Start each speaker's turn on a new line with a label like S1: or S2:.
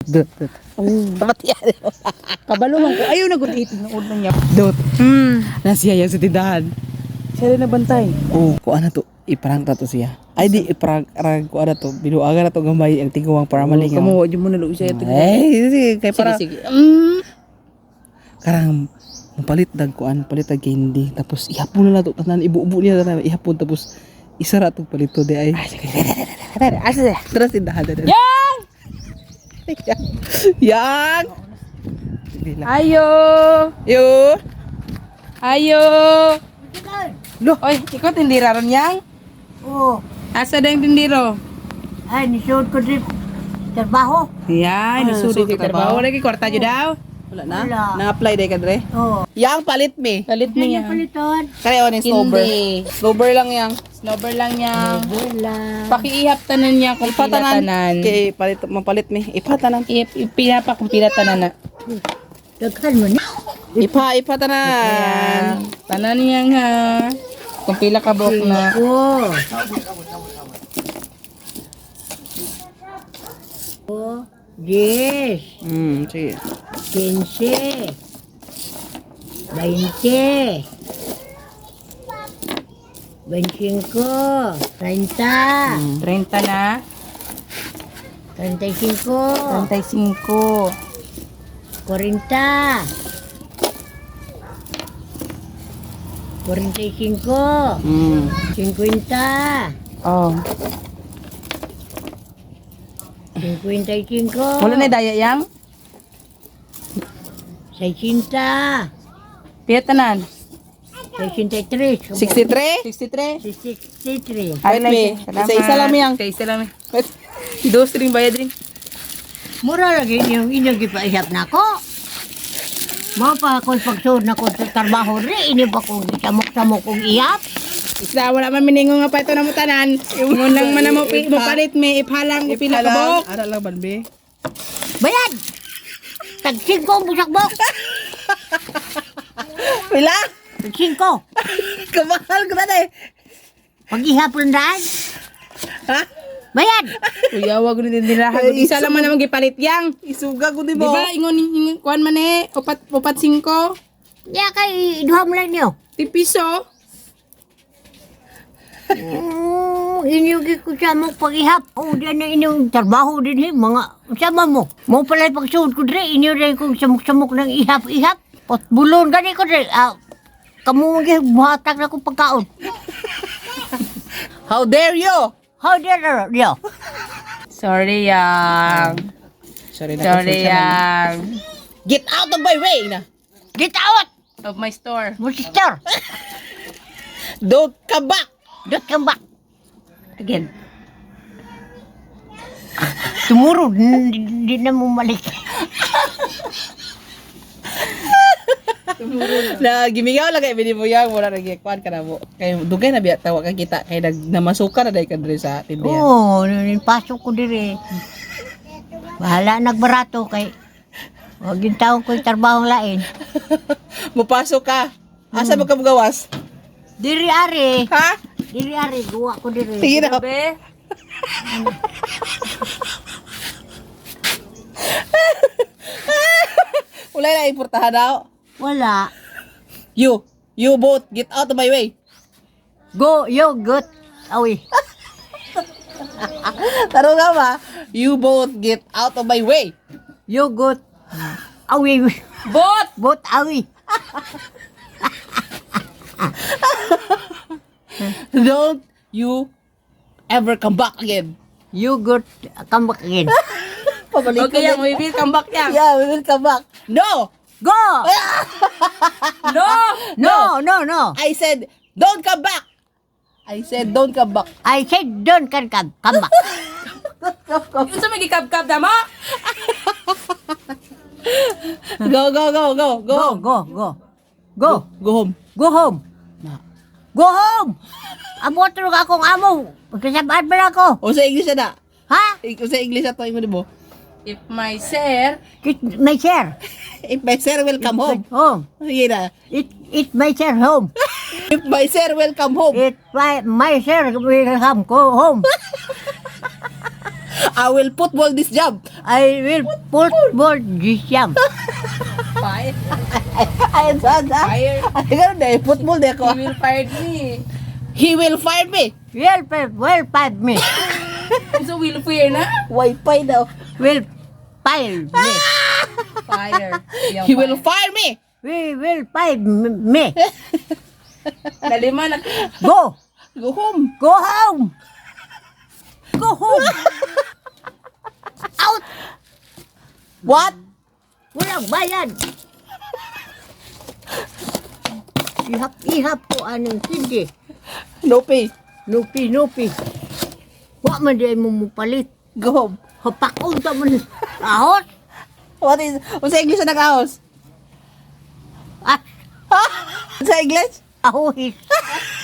S1: Dot.
S2: Ba't yan?
S1: Kabaluhan ko. Ayaw na good eating ng ulo niya. Dot.
S2: Hmm.
S1: Nasiya yan sa tindahan. Siya rin nabantay. Oo, kung ano to. Iparang to siya. Ay di, iparang kung ano to. Binuaga na to gamay ang tingawang para malingaw.
S2: Kamu, di mo naluwi siya.
S1: Ay, kaya para.
S2: Sige.
S1: Karang palit kuan, palit candy. Tapos ihapon na to. Tanan, ibu-ubo niya tanan. Ihapon tapos isara to palito di ay.
S2: Asa?
S1: Terus tindahan.
S2: Yang!
S1: Yang!
S2: Ayo!
S1: Yo!
S2: Ayo!
S1: Loh,
S2: Oy, ikaw tindira ron yang?
S3: Oo.
S2: Asa na yung tindiro?
S3: Ay, nisuod ko din trabaho.
S2: Yan,
S1: nasulit
S2: nasulit yung
S1: ka trabaho.
S2: trabaho. Lagi, kwarta dyo daw.
S1: wala na.
S3: Wala.
S1: Na-apply day ka dre.
S3: Oo.
S1: Yang palit me.
S2: Palit
S3: Kanya
S2: niya.
S3: paliton.
S1: Kaya ni snowber.
S2: Hindi.
S1: Snowber lang yang.
S2: Slobber lang yang.
S3: Wala.
S2: Pakiihap tanan niya kung pila tanan.
S1: Kay palit mapalit me. Ipatanan.
S2: Ipila pa kung pila tanan na.
S3: Daghan mo na.
S1: Ipatanan.
S2: Tanan niya ha. Kung pila ka buhok na.
S3: Oo. Oo. 10,
S1: Sige.
S3: 15, 20, 25, 30,
S2: 30 na.
S3: 35,
S2: 35.
S3: 40, 45, 50,
S2: Oh.
S3: 55,
S2: Wala na daya yang?
S3: 60,
S2: Pila tanan?
S3: 63,
S1: 63?
S2: 63.
S3: 63.
S1: Ay, me. Isa-isa lang yang.
S2: Isa lang. Dos ring bayad rin.
S3: Mura lagi yung inyong gipaihap na ko. Mga pa ako pagsuod na ko sa trabaho rin, ini ba kong samok-samok kong ihap?
S2: Isla, wala man miningo nga pa ito na mo tanan. Ingon lang man na mo palit may ipalang upila ka buhok.
S1: Ara lang banbe.
S3: Bayad! Tag-5 ang busakbok!
S1: Pila?
S3: Tag-5!
S1: Kamahal ko na eh.
S3: Pag-ihap lang daan.
S1: Ha?
S3: Bayad!
S2: Kuya, wag ni dindirahan. Isa lang man naman gipalit yang.
S1: Isuga ko di
S2: Di
S1: ba?
S2: ba, ingon kuan man eh, upat 5.
S3: Diya kay duha mo lang niyo.
S2: Tipiso.
S3: Inyo ko sa mo pag-ihap. O, diyan na inyong trabaho din eh. Mga, sama mo. Mo pala pagsuod ko din. Inyo rin kong samok-samok ng ihap-ihap. Pot bulon gani ko din. Kamu buhatag na kong pagkaon.
S1: How dare you?
S3: How dare you?
S2: Sorry yang.
S1: Sorry
S2: Sorry yang.
S1: Get out of my way na.
S3: Get out!
S2: Of my store.
S3: Mo sister.
S1: Don't come back.
S3: Don't come back.
S2: Again.
S3: Tomorrow, hindi na mo malik.
S1: Na gimigaw lang kay bini mo yang wala na gikuan ka na mo. Kay dugay na biya tawa ka kita kay namasukan na dai ka diri sa tindahan.
S3: Oo, pasok ko dire. Bahala nagbarato kay wag yung tao ko'y trabaho lain.
S1: Mupasok ka. Asa mo ka gawas?
S3: Diri ari.
S1: Ha?
S3: Diri ari, guwa ko diri.
S1: Sige na.
S2: Be.
S1: Wala na importahan daw.
S3: Wala.
S1: You both get out of my way.
S3: Go, yogurt. Awi.
S1: Taro nga ba? You both get out of my way.
S3: Yogurt. Awi.
S2: Bot!
S3: Bot awi.
S1: Don't you ever come back again.
S3: Yogurt. Come back again.
S1: Pabalik
S2: Okay yang, we will come back yang.
S1: Yeah, we will come back. No!
S3: Go!
S2: No!
S3: No.
S1: I said, don't come back. I said, don't come back.
S3: I said don't can come. Come back.
S2: Yung sa may gikab-kab na mo?
S1: Go.
S3: Go. Go.
S1: Go home.
S3: Go home. Go home. Amo tulog akong amo. Pagkasabaan ba na ako?
S1: O sa English na.
S3: Ha?
S1: O sa English na to, mo di mo.
S2: If my sir,
S3: My share.
S1: If my sir will come home.
S3: Home.
S1: Sige na.
S3: It my share home.
S1: If my sir will come home.
S3: My share will come go home.
S1: I will football this job.
S3: I will football this job.
S2: Fire.
S1: Ay, saan sa?
S2: Fire.
S1: Ay, ganun na, football na ako.
S2: He will fire me.
S1: He will fire me.
S3: Well, five me.
S2: So will fire na?
S1: Wi-Fi daw.
S3: Will fire me.
S2: Fire.
S1: He will fire me.
S3: We will five me.
S2: Nalima na.
S3: Go.
S1: Go home.
S3: Go home. Go home. Out.
S1: What?
S3: Walang bayad. Ihap ko anong hindi.
S1: No pay.
S3: Nupi. Wa man di mo mupalit.
S1: Go home.
S3: Hapakon ta man. Ahos.
S1: What is, sa English na nag-house?
S3: Ah,
S1: Sa English?
S3: ahohis.